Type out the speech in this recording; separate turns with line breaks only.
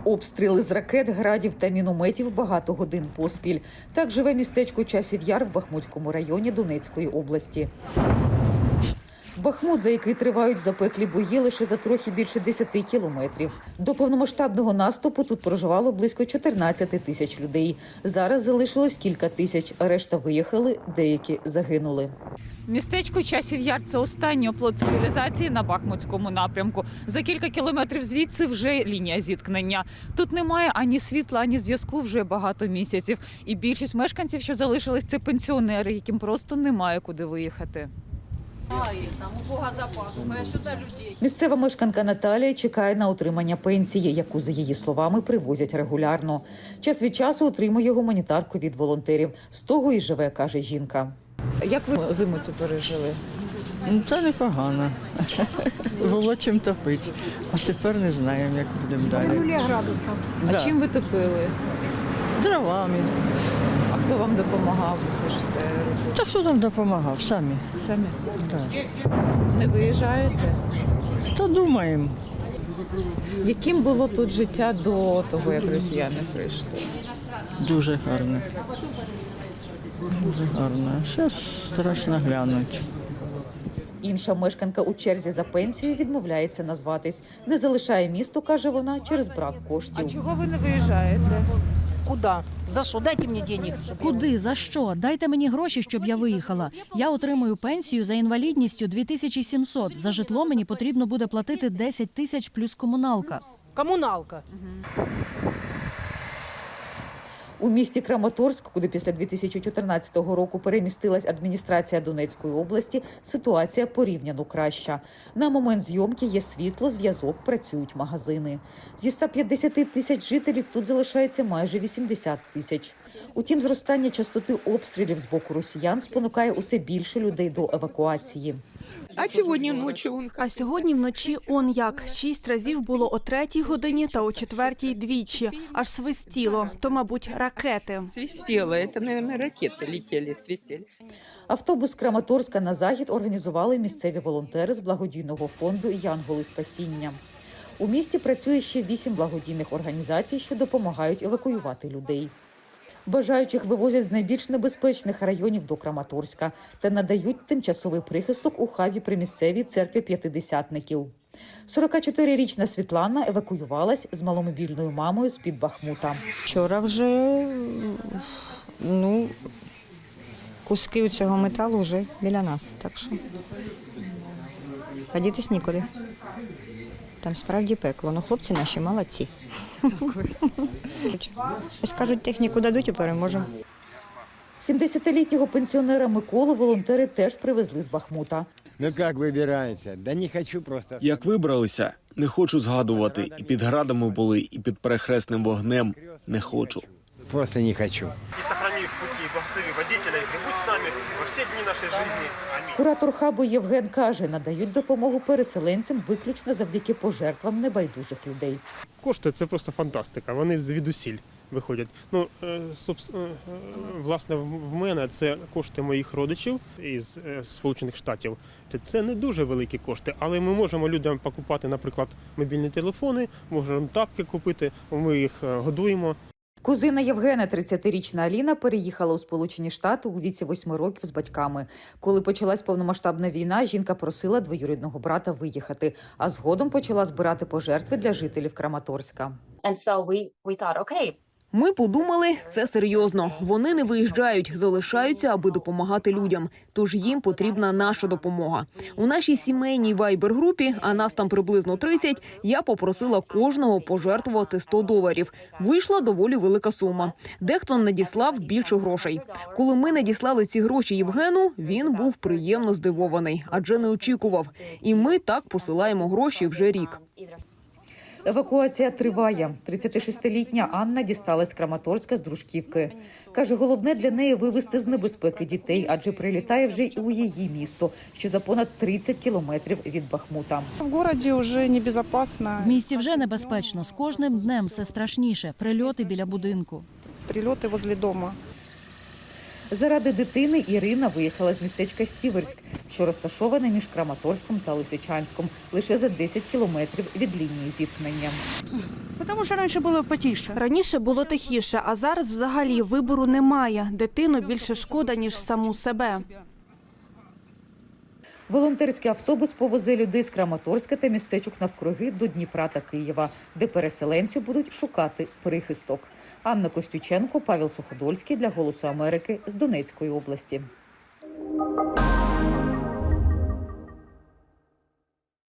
Обстріли з ракет, градів та мінометів багато годин поспіль. Так живе містечко Часів Яр в Бахмутському районі Донецької області. Бахмут, за який тривають запеклі бої лише за трохи більше 10 кілометрів. До повномасштабного наступу тут проживало близько 14 тисяч людей. Зараз залишилось кілька тисяч, решта виїхали, деякі загинули. Містечко Часів Яр – це останній оплот цивілізації на Бахмутському напрямку. За кілька кілометрів звідси вже лінія зіткнення. Тут немає ані світла, ані зв'язку вже багато місяців. І більшість мешканців, що залишились, це пенсіонери, яким просто немає куди виїхати. Місцева мешканка Наталія чекає на отримання пенсії, яку, за її словами, привозять регулярно. Час від часу отримує гуманітарку від волонтерів. З того і живе, каже жінка. Як ви зиму цю пережили?
Це непогано. Було чим топити. А тепер не знаємо, як будемо далі.
0 градусів.
А чим ви топили?
Дровами.
А хто вам допомагав? Це ж все робити?
Та хто нам допомагав? Самі.
Самі?
Так.
Не виїжджаєте?
Та думаємо.
Яким було тут життя до того, як росіяни прийшли?
Дуже гарно. Дуже гарно. Зараз страшно глянути.
Інша мешканка у черзі за пенсією відмовляється назватись. Не залишає місто, каже вона, через брак коштів. А чого ви не виїжджаєте?
Куда? За що? Дайте мені денег.
Куди? За що? Дайте мені гроші, щоб я виїхала. Я отримую пенсію за інвалідністю 2700. За житло мені потрібно буде платити 10 тисяч плюс комуналка.
Комуналка.
У місті Краматорськ, куди після 2014 року перемістилась адміністрація Донецької області, ситуація порівняно краща. На момент зйомки є світло, зв'язок, працюють магазини. Зі 150 тисяч жителів тут залишається майже 80 тисяч. Утім, зростання частоти обстрілів з боку росіян спонукає усе більше людей до евакуації.
А сьогодні вночі он як. 6 разів було о 3-й годині та о 4-й двічі. Аж свистіло. То, мабуть, ракети.
Свистело. Это, наверное, ракеты летели, свистели.
Автобус з Краматорська на захід організували місцеві волонтери з благодійного фонду «Янголи спасіння». У місті працює ще 8 благодійних організацій, що допомагають евакуювати людей. Бажаючих вивозять з найбільш небезпечних районів до Краматорська та надають тимчасовий прихисток у хабі при місцевій церкві п'ятидесятників. 44-річна Світлана евакуювалась з маломобільною мамою з-під Бахмута.
Вчора вже куски цього металу вже біля нас, так що ходітись нікуди. Там справді пекло, але хлопці наші молодці. Ось кажуть, техніку дадуть і переможемо.
70-літнього пенсіонера Миколу волонтери теж привезли з Бахмута.
Ну як вибираємося? Да не хочу просто.
Як вибралися, не хочу згадувати. І під градами були, і під перехресним вогнем. Не хочу.
Просто не хочу.
И сохрани в пути, благослови водителя, и прибудь с нами во все дни нашей жизни. Аминь.
Куратор хабу Євген каже, надають допомогу переселенцям виключно завдяки пожертвам небайдужих людей.
Кошти – це просто фантастика, вони звідусіль виходять. Власне, в мене це кошти моїх родичів із Сполучених Штатів. Це не дуже великі кошти, але ми можемо людям покупати, наприклад, мобільні телефони, можемо тапки купити, ми їх годуємо.
Кузина Євгена, 30-річна Аліна, переїхала у Сполучені Штати у віці 8 років з батьками. Коли почалась повномасштабна війна, жінка просила двоюрідного брата виїхати, а згодом почала збирати пожертви для жителів Краматорська.
Ми подумали, це серйозно. Вони не виїжджають, залишаються, аби допомагати людям. Тож їм потрібна наша допомога. У нашій сімейній вайбер-групі, а нас там приблизно 30, я попросила кожного пожертвувати $100. Вийшла доволі велика сума. Дехто надіслав більше грошей. Коли ми надіслали ці гроші Євгену, він був приємно здивований, адже не очікував. І ми так посилаємо гроші вже рік.
Евакуація триває. 36-літня Анна дісталась з Краматорська з Дружківки. Каже, головне для неї вивезти з небезпеки дітей, адже прилітає вже і у її місто, що за понад 30 кілометрів від Бахмута.
В місті вже небезпечно. З кожним днем все страшніше. Прильоти біля будинку.
Прильоти возле дома.
Заради дитини Ірина виїхала з містечка Сіверськ, що розташоване між Краматорськом та Лисичанськом, лише за 10 кілометрів від лінії зіткнення.
Тому що раніше було потіше.
Раніше було тихіше, а зараз взагалі вибору немає. Дитину більше шкода, ніж саму себе.
Волонтерський автобус повезе людей з Краматорська та містечок навкруги до Дніпра та Києва, де переселенці будуть шукати прихисток. Анна Костюченко, Павел Суходольський для «Голосу Америки» з Донецької області.